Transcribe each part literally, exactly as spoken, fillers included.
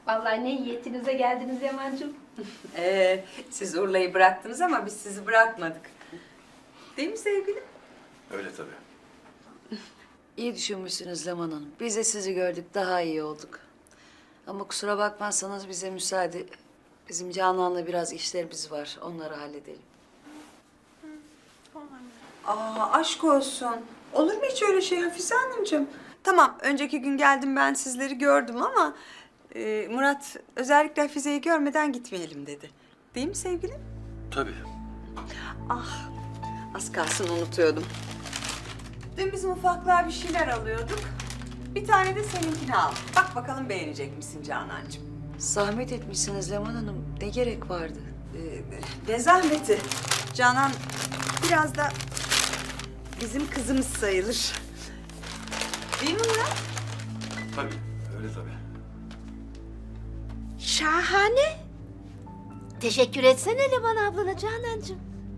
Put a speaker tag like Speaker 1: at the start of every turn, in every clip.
Speaker 1: Vallahi ne niyetinize geldiniz Yaman'cığım.
Speaker 2: Ee, siz Urla'yı bıraktınız ama biz sizi bırakmadık. Değil mi sevgilim?
Speaker 3: Öyle tabii.
Speaker 4: İyi düşünmüşsünüz Leman Hanım. Biz de sizi gördük, daha iyi olduk. Ama kusura bakmazsanız bize müsaade. Bizim Canan'la biraz işlerimiz var, onları halledelim.
Speaker 2: Aa, aşk olsun. Olur mu hiç öyle şey Hafize Hanımcığım? Tamam, önceki gün geldim ben sizleri gördüm ama... E, Murat özellikle Hafize'yi görmeden gitmeyelim dedi. Değil mi sevgilim?
Speaker 3: Tabii.
Speaker 2: Ah, az kalsın unutuyordum. Dün bizim ufaklığa bir şeyler alıyorduk. Bir tane de seninkini al. Bak bakalım beğenecek misin Canancığım?
Speaker 4: Zahmet etmişsiniz Leman Hanım. Ne gerek vardı?
Speaker 2: Ee, ne zahmeti. Canan biraz da bizim kızımız sayılır. Değil mi Murat?
Speaker 3: Tabii. Öyle tabii.
Speaker 5: Şahane. Teşekkür etsene Leman ablana Canancığım.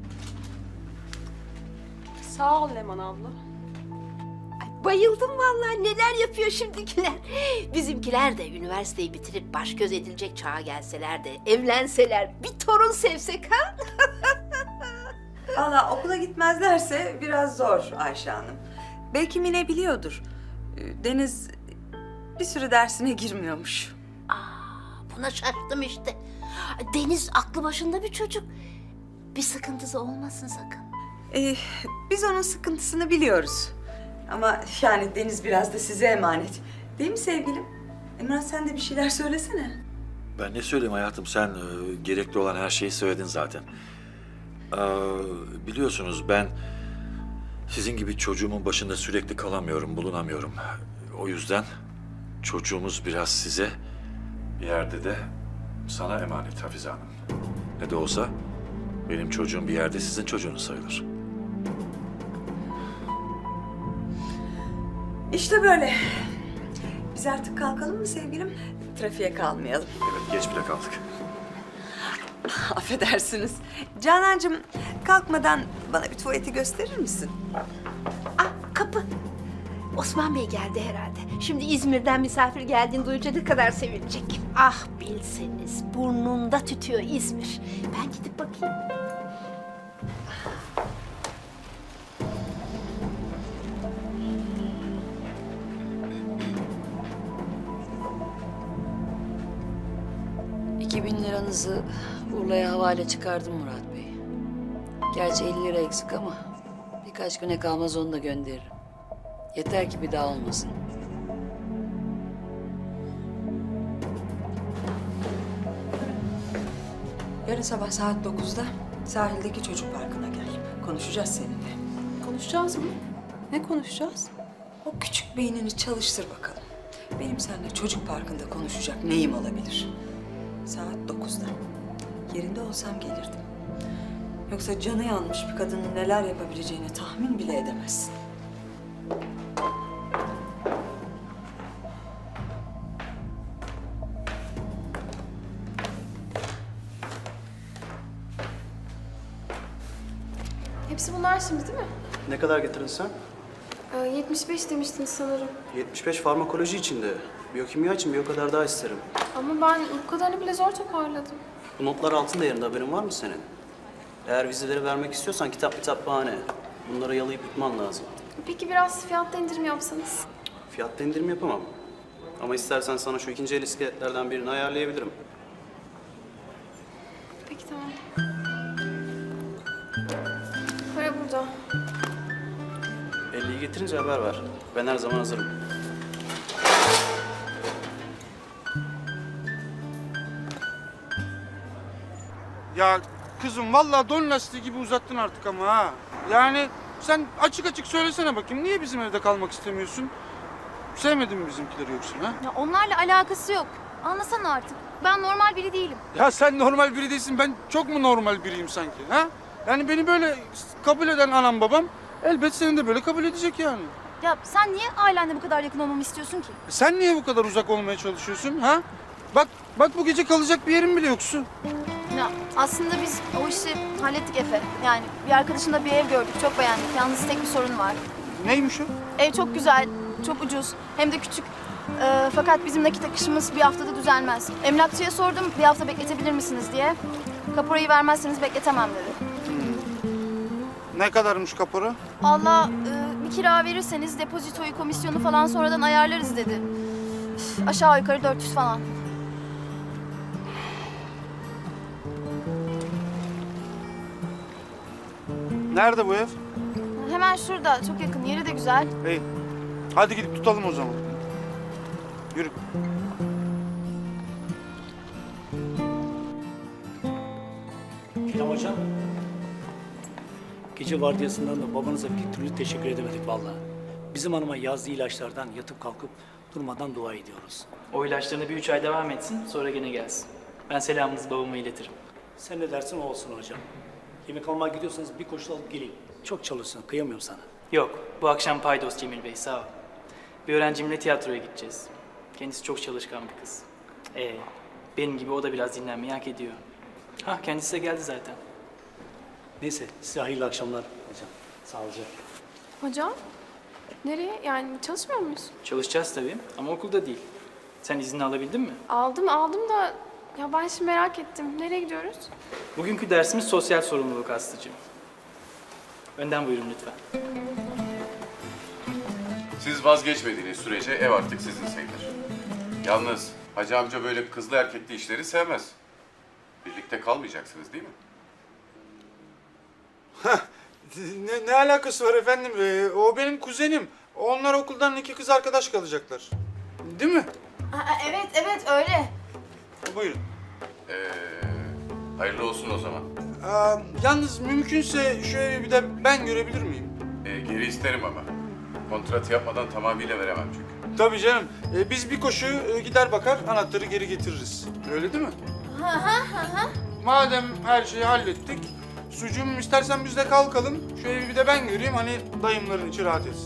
Speaker 1: Sağ ol Leman abla.
Speaker 5: Ay, bayıldım vallahi, neler yapıyor şimdikiler. Bizimkiler de üniversiteyi bitirip baş göz edilecek çağa gelseler de evlenseler, bir torun sevsek ha?
Speaker 2: Valla okula gitmezlerse biraz zor Ayşe Hanım. Belki Mine biliyordur. Ee, Deniz bir süre dersine girmiyormuş.
Speaker 5: Buna şaştım işte. Deniz aklı başında bir çocuk. Bir sıkıntısı olmasın sakın.
Speaker 2: Ee, biz onun sıkıntısını biliyoruz. Ama yani Deniz biraz da size emanet. Değil mi sevgilim? Emrah sen de bir şeyler söylesene.
Speaker 3: Ben ne söyleyeyim hayatım? Sen e, gerekli olan her şeyi söyledin zaten. Ee, biliyorsunuz ben sizin gibi çocuğumun başında sürekli kalamıyorum, bulunamıyorum. O yüzden çocuğumuz biraz size, bir yerde de sana emanet Hafize Hanım. Ne de olsa benim çocuğum bir yerde sizin çocuğunuz sayılır.
Speaker 2: İşte böyle. Biz artık kalkalım mı sevgilim? Trafiğe kalmayalım.
Speaker 3: Evet, geç bile kaldık.
Speaker 2: Affedersiniz. Canancığım kalkmadan bana bir tuvaleti gösterir misin?
Speaker 5: Ah, kapı. Osman Bey geldi herhalde. Şimdi İzmir'den misafir geldiğini duyunca ne kadar sevinecek. Ah bilseniz, burnunda tütüyor İzmir. Ben gidip bakayım.
Speaker 4: İki bin liranızı Urla'ya havale çıkardım Murat Bey. Gerçi elli lira eksik ama birkaç güne kalmaz onu da gönderirim. Yeter ki bir daha olmasın.
Speaker 2: Yarın sabah saat dokuzda sahildeki çocuk parkına gel. Konuşacağız seninle.
Speaker 1: Konuşacağız mı? Ne konuşacağız?
Speaker 2: O küçük beynini çalıştır bakalım. Benim seninle çocuk parkında konuşacak neyim olabilir? Saat dokuzda. Yerinde olsam gelirdim. Yoksa canı yanmış bir kadının neler yapabileceğini tahmin bile edemezsin.
Speaker 6: Hepsi bunlar şimdi değil mi?
Speaker 7: Ne kadar getirdin sen?
Speaker 6: Ee, yetmiş beş demiştin sanırım.
Speaker 7: yetmiş beş farmakoloji içinde. Biyokimya için bir o kadar daha isterim.
Speaker 6: Ama ben bu kadarını bile zor toparladım.
Speaker 7: Bu notlar altın değerinde, haberin var mı senin? Eğer vizeleri vermek istiyorsan kitap kitap bahane. Bunları yalayıp yutman lazım.
Speaker 6: Peki biraz fiyatta indirim yapsanız?
Speaker 7: Fiyatta indirim yapamam. Ama istersen sana şu ikinci el iskeletlerden birini ayarlayabilirim.
Speaker 6: Peki tamam. Para burada.
Speaker 7: elliyi getirince haber ver. Ben her zaman hazırım.
Speaker 8: Ya kızım vallahi don lastiği gibi uzattın artık ama ha. Yani sen açık açık söylesene bakayım niye bizim evde kalmak istemiyorsun? Sevmedin mi bizimkileri yoksa ha?
Speaker 9: Ya onlarla alakası yok. Anlasana artık. Ben normal biri değilim.
Speaker 8: Ya sen normal biri değilsin, ben çok mu normal biriyim sanki ha? Yani beni böyle kabul eden anam babam elbet seni de böyle kabul edecek yani.
Speaker 9: Ya sen niye ailenle bu kadar yakın olmamı istiyorsun ki?
Speaker 8: E sen niye bu kadar uzak olmaya çalışıyorsun ha? Bak, bak bu gece kalacak bir yerin bile yoksun.
Speaker 9: Ya aslında biz o işi hallettik Efe. Yani bir arkadaşımla bir ev gördük. Çok beğendik. Yalnız tek bir sorun var.
Speaker 8: Neymiş o?
Speaker 9: Ev çok güzel, çok ucuz. Hem de küçük. Ee, fakat bizim nakit akışımız bir haftada düzelmez. Emlakçıya sordum bir hafta bekletebilir misiniz diye. Kaporayı vermezseniz bekletemem dedi.
Speaker 8: Ne kadarmış kapora?
Speaker 9: Allah e, bir kira verirseniz depozitoyu, komisyonu falan sonradan ayarlarız dedi. Üf, aşağı yukarı dört yüz falan.
Speaker 8: Nerede bu ev?
Speaker 9: Hemen şurada, çok yakın, yeri de güzel.
Speaker 8: İyi. Hadi gidip tutalım o zaman. Yürü.
Speaker 10: İrem hocam. Gece vardiyasından da babanıza bir türlü teşekkür edemedik vallahi. Bizim hanıma yazdığı ilaçlardan yatıp kalkıp durmadan dua ediyoruz.
Speaker 11: O ilaçlarını bir üç ay devam etsin, sonra gene gelsin. Ben selamınızı babama iletirim.
Speaker 10: Sen ne dersin o olsun hocam. Yemek almaya gidiyorsanız bir koşu alıp geleyim. Çok çalışsın, kıyamıyorum sana.
Speaker 11: Yok, bu akşam paydos Cemil Bey, sağ ol. Bir öğrencimle tiyatroya gideceğiz. Kendisi çok çalışkan bir kız. Ee, benim gibi o da biraz dinlenmeyi hak ediyor. Hah, kendisi de geldi zaten.
Speaker 10: Neyse, size hayırlı akşamlar hocam. Sağlıcakla.
Speaker 6: Hocam? Nereye? Yani çalışmıyor muyuz?
Speaker 11: Çalışacağız tabii ama okulda değil. Sen izni alabildin mi?
Speaker 6: Aldım aldım da ya ben şimdi merak ettim. Nereye gidiyoruz?
Speaker 11: Bugünkü dersimiz sosyal sorumluluk Aslı'cığım. Önden buyurun lütfen.
Speaker 12: Siz vazgeçmediğiniz sürece ev artık sizin sayılır. Yalnız Hacı amca böyle kızlı erkekli işleri sevmez. Birlikte kalmayacaksınız değil mi?
Speaker 8: Ne, ne alakası var efendim? Ee, o benim kuzenim. Onlar okuldan iki kız arkadaş kalacaklar. Değil mi?
Speaker 9: Aa, evet, evet öyle.
Speaker 8: Buyurun.
Speaker 12: Ee, hayırlı olsun o zaman.
Speaker 8: Aa, yalnız mümkünse şöyle bir de ben görebilir miyim?
Speaker 12: Ee, geri isterim ama. Kontratı yapmadan tamamıyla veremem çünkü.
Speaker 8: Tabii canım. Ee, biz bir koşu e, gider bakar, anahtarı geri getiririz. Öyle değil mi?
Speaker 9: Hı hı hı hı.
Speaker 8: Madem her şeyi hallettik, sucuğum istersen biz de kalkalım. Şöyle bir de ben göreyim, hani dayımların içi rahat etsin.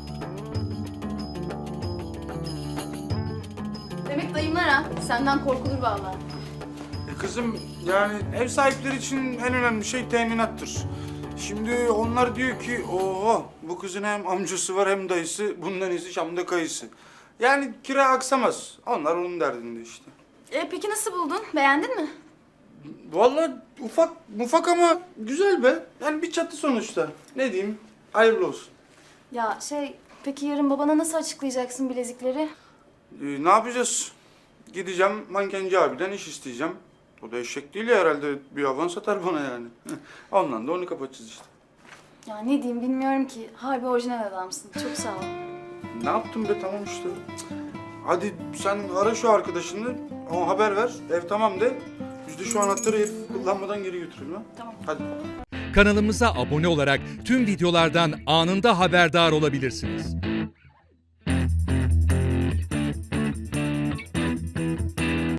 Speaker 9: Demek dayımlar ha. Senden korkulur vallahi.
Speaker 8: E kızım, yani ev sahipleri için en önemli şey teminattır. Şimdi onlar diyor ki, ooo bu kızın hem amcası var hem dayısı, bundan iyisi Şam'da kayısı. Yani kira aksamaz. Onlar onun derdinde işte.
Speaker 9: E, peki nasıl buldun? Beğendin mi?
Speaker 8: Vallahi ufak mufak ama güzel be. Yani bir çatı sonuçta. Ne diyeyim? Hayırlı olsun.
Speaker 9: Ya şey, peki yarın babana nasıl açıklayacaksın bilezikleri?
Speaker 8: Ee, ne yapacağız? Gideceğim mankenci abiden iş isteyeceğim. O da eşek değil ya herhalde, bir avans satar bana yani. Ondan da onu kapatacağız işte.
Speaker 9: Ya ne diyeyim bilmiyorum ki. Harbi orijinal adamsın. Çok sağ ol.
Speaker 8: Ne yaptım be, tamam işte. Hadi sen ara şu arkadaşını, ona haber ver, ev tamam de. Biz de şu anahtarı herif kullanmadan geri götürelim ha.
Speaker 9: Tamam.
Speaker 8: Hadi.
Speaker 13: Kanalımıza abone olarak tüm videolardan anında haberdar olabilirsiniz.